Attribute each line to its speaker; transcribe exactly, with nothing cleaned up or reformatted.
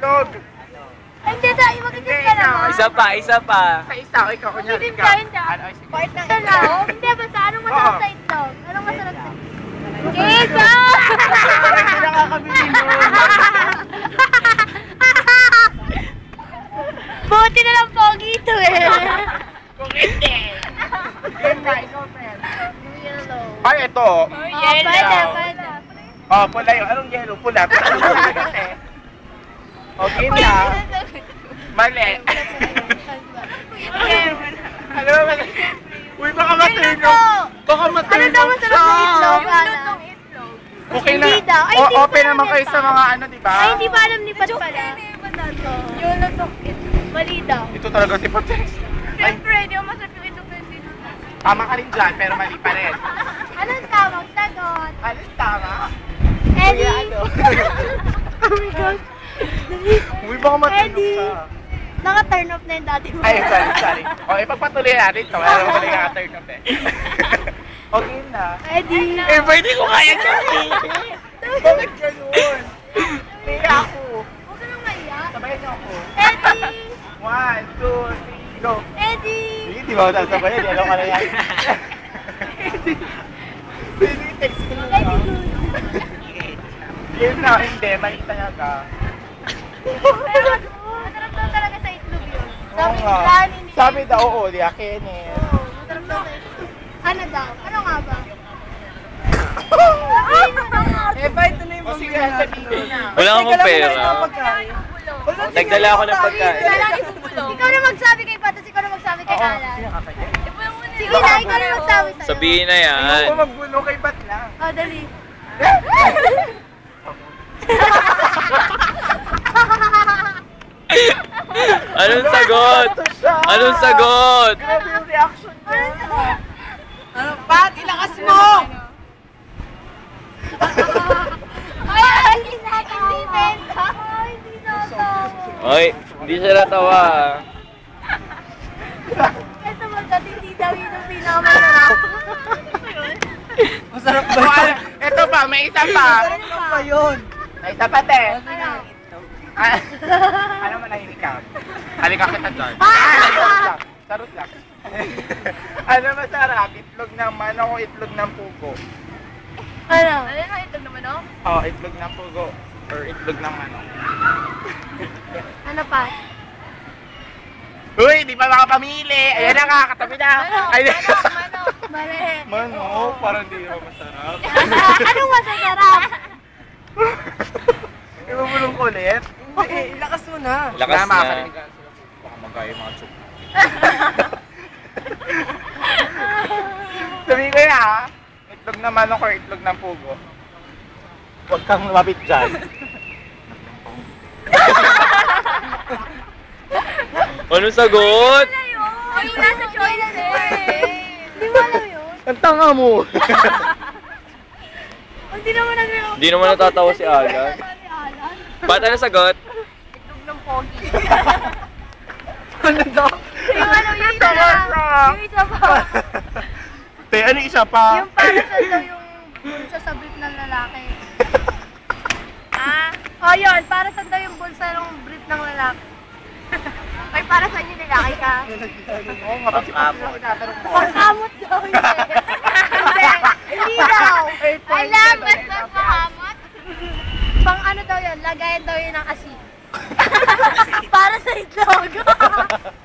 Speaker 1: itlog.
Speaker 2: Ay, hindi tayo. Mag-isip ka naman.
Speaker 3: Isa pa, isa pa.
Speaker 1: Sa isa, ikaw, kunyari
Speaker 2: Mag-isip
Speaker 1: ikaw.
Speaker 2: ka, hindi.
Speaker 1: Ano, sige.
Speaker 2: Part ng itlog. Hindi, basta anong masarap sa itlog? Anong masarap sa itlog? Kesa!
Speaker 1: Hindi nakakabili nun.
Speaker 2: Buti na lang pogi ito eh.
Speaker 1: Kung hindi. Game na, ikaw, friend.
Speaker 2: Yellow.
Speaker 1: Ay, ito.
Speaker 2: Oh, pwede, pwede.
Speaker 1: Oh, pula yun. Anong yellow? Pula. Anong pula kasi? O, game na. Mali. Ano ba? Uy, baka matulog. Baka matulog
Speaker 2: Ano daw masarap sa itlog? Ano?
Speaker 1: Okay na.
Speaker 2: Hindi daw. Ay,
Speaker 1: O,
Speaker 2: hindi
Speaker 1: open
Speaker 2: pa
Speaker 1: naman
Speaker 2: namin
Speaker 1: kayo sa
Speaker 2: pa.
Speaker 1: mga ano, di ba?
Speaker 2: Ay, hindi pa alam ni Pat pala. Yung lusok itlog. Mali daw.
Speaker 1: Ito talaga si Potex. Ay,
Speaker 2: Siyempre, hindi ako masarap yung itlog na sino.
Speaker 1: tama ka rin dyan, pero mali pa rin.
Speaker 2: Anong tawag? Sagot.
Speaker 1: Ano tama?
Speaker 2: Eddie.
Speaker 1: Ano?
Speaker 2: Oh my gosh.
Speaker 1: Uy, baka matulog
Speaker 2: Eddie.
Speaker 1: ka.
Speaker 2: Naka-turn off na yung dati mo.
Speaker 1: Ay, sorry, sorry. O, ipagpatuloy natin ito. Alam mo, mali ka turn off eh. Okay na.
Speaker 2: Eddie.
Speaker 1: Eh, pwede ko kaya dyan. Bakit ganun? Kaya ako.
Speaker 2: Huwag ka nang maiyak.
Speaker 1: Sabayan niyo ako.
Speaker 2: Eddie.
Speaker 1: One, two, three, go.
Speaker 2: Eddie.
Speaker 1: Sige, di ba ako sasabayan? Di alam ka na yan. Pwede, text ko na lang.
Speaker 2: Eddie good.
Speaker 1: Yun na, hindi. Mali talaga.
Speaker 2: Pero masarap daw talaga sa itlog yun. Sabi ni
Speaker 1: nga.
Speaker 2: Granny ni...
Speaker 1: Sabi daw, oo, di akin eh.
Speaker 2: Oo, masarap daw sa itlog. Ano daw? Ano nga ba? Ay, ano nga?
Speaker 4: Eh, ba ito na yung
Speaker 1: O sige,
Speaker 4: pamilya
Speaker 1: sabihin
Speaker 4: natin.
Speaker 1: na.
Speaker 3: Wala akong pera. Nagdala ako ng pagkain.
Speaker 2: Ikaw na magsabi kay Patas, ikaw na magsabi kay
Speaker 1: Oo,
Speaker 2: Alan.
Speaker 1: sino kakaya?
Speaker 2: Sige na, ikaw na magsabi sa'yo.
Speaker 3: Sabihin na yan.
Speaker 1: Ayoko magbuno kay Bat lang.
Speaker 2: Oh, dali.
Speaker 3: Anong sagot? Anong sagot?
Speaker 1: Grabe yung reaction niya.
Speaker 4: Ano, Pat, ilakas mo!
Speaker 2: Ay, hindi natawa. Hindi benta. Ay, hindi natawa.
Speaker 3: Oy, hindi siya natawa.
Speaker 2: Ito magkat hindi daw yun ang pinakamasarap.
Speaker 4: Masarap ba
Speaker 1: O,
Speaker 4: ito?
Speaker 1: ano, ito pa, may isa pa.
Speaker 4: Ano pa yun?
Speaker 1: May isa pa, te.
Speaker 2: Ano?
Speaker 1: Ah, ano manahimik ka? Halika kita dyan. Charot lang. Charot lang. Ano masarap? Itlog ng manok o itlog ng pugo?
Speaker 2: Ano? Ano yung itlog naman, no?
Speaker 1: Oh, itlog ng pugo. Or itlog ng manok.
Speaker 2: Ano pa?
Speaker 1: Uy, di pa makapamili. Ayan na nga, katabi na. Ay,
Speaker 2: Manok. Mali.
Speaker 1: manok, parang di naman masarap.
Speaker 2: Anong masasarap?
Speaker 1: Di ba bulong ko ulit?
Speaker 4: Eh, ilakas mo na.
Speaker 3: Lakas
Speaker 1: Wala,
Speaker 3: na.
Speaker 1: makakarinig ka sila. Baka magaya yung mga tsuk. Sabihin ko na ha, itlog ng manok or itlog ng pugo. Huwag kang lumapit dyan.
Speaker 3: Anong sagot?
Speaker 2: Ay, nasa choice eh. Hindi mo alam yun?
Speaker 1: Ang tanga mo!
Speaker 2: Hindi naman nag-
Speaker 3: Hindi naman natatawa si Alan. Ba't ano sagot?
Speaker 2: Itlog ng pogi.
Speaker 1: Ano daw?
Speaker 2: Yung ano, yung isa
Speaker 1: Tama
Speaker 2: lang.
Speaker 1: siya.
Speaker 2: Yung isa pa.
Speaker 1: Te, ano isa pa?
Speaker 2: Yung para sa daw yung bulsa sa brief ng lalaki. Ah? Oh, yun. Para sa daw yung bulsa ng brief ng lalaki. Ay, para sa inyo lalaki ka.
Speaker 1: Oo nga, ba't si Papi lang tinatanong mo?
Speaker 2: Pangkamot daw yun. Hindi. Hindi daw. Alam, basta pangkamot. Pang ano daw yun, lagayan daw yun ng asin. Para sa itlog.